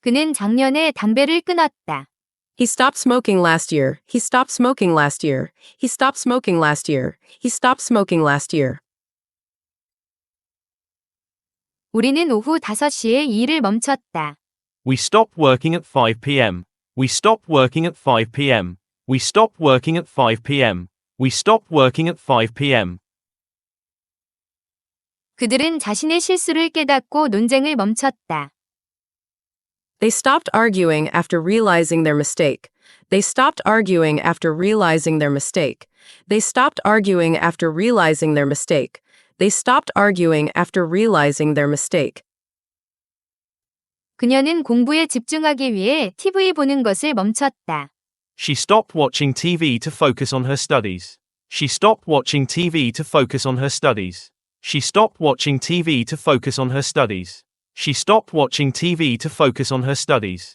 그는 작년에 담배를 끊었다. He stopped smoking last year. He stopped smoking last year. He stopped smoking last year. He stopped smoking last year. 우리는 오후 5시에 일을 멈췄다. We stopped working at 5 p.m. We stopped working at 5 p.m. We stopped working at 5 p.m. We stopped working at 5 p.m. 그들은 자신의 실수를 깨닫고 논쟁을 멈췄다. They stopped arguing after realizing their mistake. They stopped arguing after realizing their mistake. They stopped arguing after realizing their mistake. They stopped arguing after realizing their mistake. 그녀는 공부에 집중하기 위해 TV 보는 것을 멈췄다. She stopped watching TV to focus on her studies. She stopped watching TV to focus on her studies. She stopped watching TV to focus on her studies. She stopped watching TV to focus on her studies.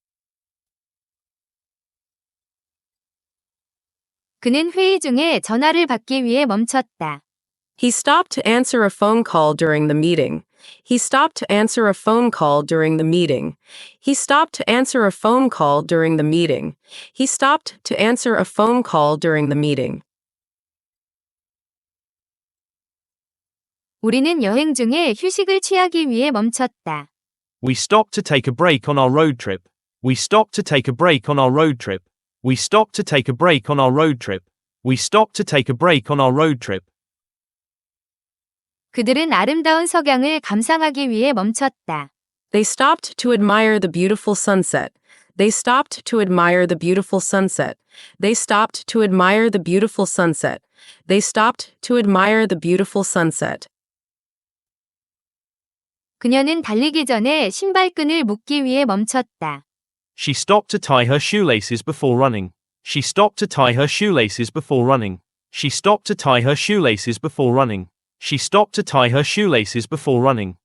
그는 회의 중에 전화를 받기 위해 멈췄다. He stopped to answer a phone call during the meeting. He stopped to answer a phone call during the meeting. He stopped to answer a phone call during the meeting. He stopped to answer a phone call during the meeting. 우리는 여행 중에 휴식을 취하기 위해 멈췄다. We stopped to take a break on our road trip. We stopped to take a break on our road trip. We stopped to take a break on our road trip. We stopped to take a break on our road trip. 그들은 아름다운 석양을 감상하기 위해 멈췄다. They stopped to admire the beautiful sunset. They stopped to admire the beautiful sunset. They stopped to admire the beautiful sunset. They stopped to admire the beautiful sunset. 그녀는 달리기 전에 신발끈을 묶기 위해 멈췄다. She stopped to tie her shoelaces before running. She stopped to tie her shoelaces before running. She stopped to tie her shoelaces before running. She stopped to tie her shoelaces before running.